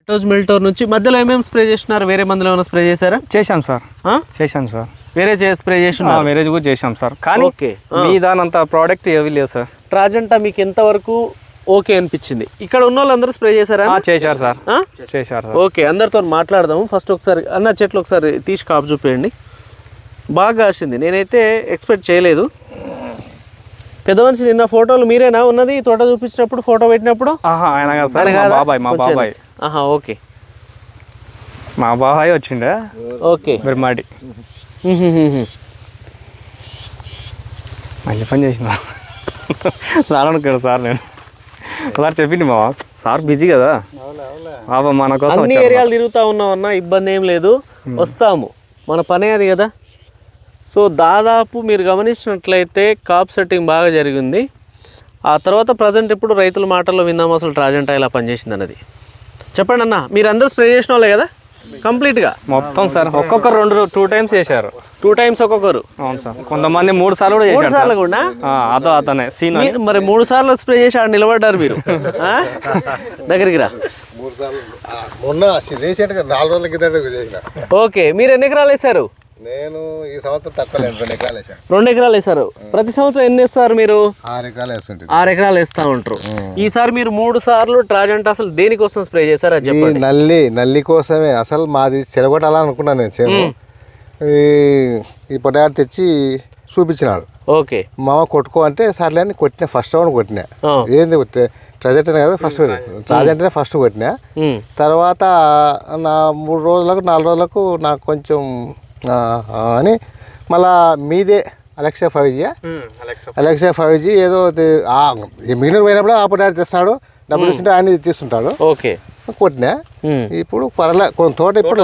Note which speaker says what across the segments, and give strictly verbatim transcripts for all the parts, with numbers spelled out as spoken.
Speaker 1: Lactose మిల్టోర్ నుంచి మధ్యలో ఏమేమి స్ప్రే చేస్తున్నారు? వేరే మందులు ఏమైనా స్ప్రే చేశారా?
Speaker 2: చేశాం సార్, చేశాం సార్.
Speaker 1: వేరే స్ప్రే చేస్తున్నారు?
Speaker 2: వేరే కూడా చేశాం సార్, కానీ
Speaker 1: ఓకే
Speaker 2: మీ దానంత ప్రోడక్ట్ ఏవి లేదు సార్.
Speaker 1: ట్రాజెంటా మీకు ఎంతవరకు ఓకే అనిపించింది? ఇక్కడ ఉన్న వాళ్ళందరూ స్ప్రే చేశారా?
Speaker 2: చేశారు సార్, చేశారు సార్.
Speaker 1: ఓకే, అందరితో మాట్లాడదాము. ఫస్ట్ ఒకసారి అన్న చెట్లు ఒకసారి తీసి కాపు చూపేయండి. బాగా కాసింది, నేనైతే ఎక్స్పెక్ట్ చేయలేదు. పెద్ద మనిషి నిన్న ఫోటోలు మీరేనా ఉన్నది తోట చూపించినప్పుడు, ఫోటో పెట్టినప్పుడు?
Speaker 2: ఆయన కాదు సార్, మా బాబాయ్. మా బాబాయ్
Speaker 1: ఆహా ఓకే,
Speaker 2: మా బాబాయ్ వచ్చిండే.
Speaker 1: ఓకే,
Speaker 2: బిర్మాడి మంచి పని చేసిన రానుకున్నాడు సార్. నేను సార్ చెప్పింది మా సార్ బిజీ కదా బాబా, మన కోసం
Speaker 1: అన్ని ఏరియాలు తిరుగుతూ ఉన్నాం అన్న, ఇబ్బంది ఏం లేదు, వస్తాము, మన పనే అది కదా. సో దాదాపు మీరు గమనించినట్లయితే కాప్ సెట్టింగ్ బాగా జరిగింది. ఆ తర్వాత ప్రజెంట్ ఇప్పుడు రైతుల మాటల్లో విందాము అసలు ట్రాజెంటా ఇలా పనిచేసింది అన్నది. చెప్పండి అన్న, మీరు అందరూ స్ప్రే చేసిన వాళ్ళే కదా కంప్లీట్గా?
Speaker 2: మొత్తం సార్, ఒక్కొక్కరు రెండు టూ టైమ్స్ చేశారు.
Speaker 1: టూ టైమ్స్ ఒక్కొక్కరు?
Speaker 2: అవును సార్, కొంతమంది మూడు సార్లు కూడా
Speaker 1: మూడు సార్లు కూడా.
Speaker 2: అదో అతనే సీన్.
Speaker 1: మరి మూడు సార్లు స్ప్రే చేసి ఆడ నిలబడ్డారు మీరు, దగ్గరికి రా.
Speaker 3: మొన్న రీసెంట్గా నాలుగు రోజుల కింద.
Speaker 1: ఓకే, మీరు ఎన్ని ఎకరాలు వేశారు?
Speaker 3: నేను ఈ సంవత్సరం తక్కువ రెండు ఎకరాలు వేసాను.
Speaker 1: రెండు ఎకరాలు వేసారు. ప్రతి సంవత్సరం ఎన్ని వేస్తారు మీరు?
Speaker 3: ఆరు ఎకరాలు వేస్తుంటారు.
Speaker 1: ఆరు ఎకరాలు వేస్తా ఉంటారు. ఈసారి మీరు మూడు సార్లు ట్రాజెంటా అసలు దేనికోసం స్ప్రే చేశారు అది చెప్పండి.
Speaker 3: నల్లి నల్లి కోసమే అసలు మాది చెడగొట్టాలనుకున్నాను నేను. చేను ఈ పొటాటో తెచ్చి చూపించినాడు.
Speaker 1: ఓకే,
Speaker 3: మామ కొట్టుకో అంటే సర్లే అని కొట్టినా. ఫస్ట్ రౌండ్ కొట్టినా. ఏంది ట్రాజెంటనే కదా ఫస్ట్, ట్రాజెంటనే ఫస్ట్ కొట్టినా. తర్వాత నా మూడు రోజులకు నాలుగు రోజులకు నాకు కొంచెం అని మళ్ళా మీదే Alexa five G Alexa five G ఏదో మిగిలిన పోయినప్పుడు ఆ పొటాటో తెస్తాడు, డబ్బులు ఇస్తుంటే ఆయన తీసుకుంటాడు.
Speaker 1: ఓకే,
Speaker 3: కొట్టినా. ఇప్పుడు పర్లే కొంత తోట ఇప్పుడు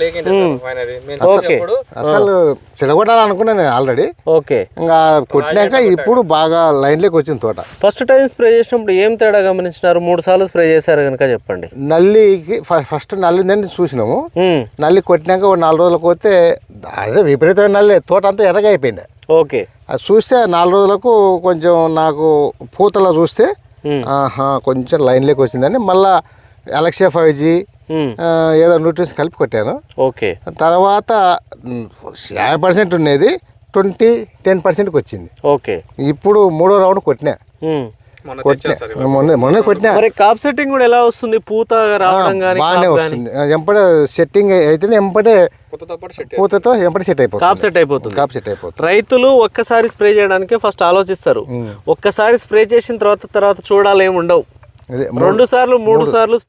Speaker 3: అసలు చెడగొట్టాలనుకున్నా నేను ఆల్రెడీ.
Speaker 1: ఓకే,
Speaker 3: ఇంకా కొట్టినాక ఇప్పుడు బాగా లైన్లోకి వచ్చింది తోట.
Speaker 1: ఫస్ట్ టైం స్ప్రే చేసినప్పుడు ఏం తేడా గమనించినారు? మూడు సార్లు స్ప్రే చేశారు కనుక చెప్పండి.
Speaker 3: నల్లికి ఫస్ట్ నల్లి ఉందని చూసినాము. నల్లి కొట్టినాక ఒక నాలుగు రోజులకు పోతే అదే విపరీతమైన నల్లి, తోట అంతా ఎర్రగా అయిపోయింది.
Speaker 1: ఓకే,
Speaker 3: అది చూస్తే నాలుగు రోజులకు కొంచెం నాకు పూతలో చూస్తే ఆహా కొంచెం లైన్లోకి వచ్చిందని మళ్ళా అలెక్సా ఫైవ్ జీ ఏదో న్యూట్రిన్స్ కలిపి కొట్టాను.
Speaker 1: ఓకే,
Speaker 3: తర్వాత యాభై పర్సెంట్ ఉండేది ట్వంటీ టెన్ పర్సెంట్కి వచ్చింది.
Speaker 1: ఓకే,
Speaker 3: ఇప్పుడు మూడో రౌండ్ కొట్టినా. మొన్న మొన్న కొట్టినా.
Speaker 1: మరి కాప్ సెట్టింగ్ కూడా ఎలా వస్తుంది? పూత రావడం గానీ
Speaker 3: బాగానే వస్తుంది. ఎంపటే సెట్టింగ్ అయితేనే ఎంపటే పూతతో ఎంపటే సెట్ అయిపోతుంది.
Speaker 1: కాప్ సెట్ అయిపోతుంది.
Speaker 3: కాప్ సెట్ అయిపోతుంది.
Speaker 1: రైతులు ఒక్కసారి స్ప్రే చేయడానికి ఫస్ట్ ఆలోచిస్తారు. ఒక్కసారి స్ప్రే చేసిన తర్వాత తర్వాత చూడాలి ఏమి ఉండవు. రెండు సార్లు మూడు సార్లు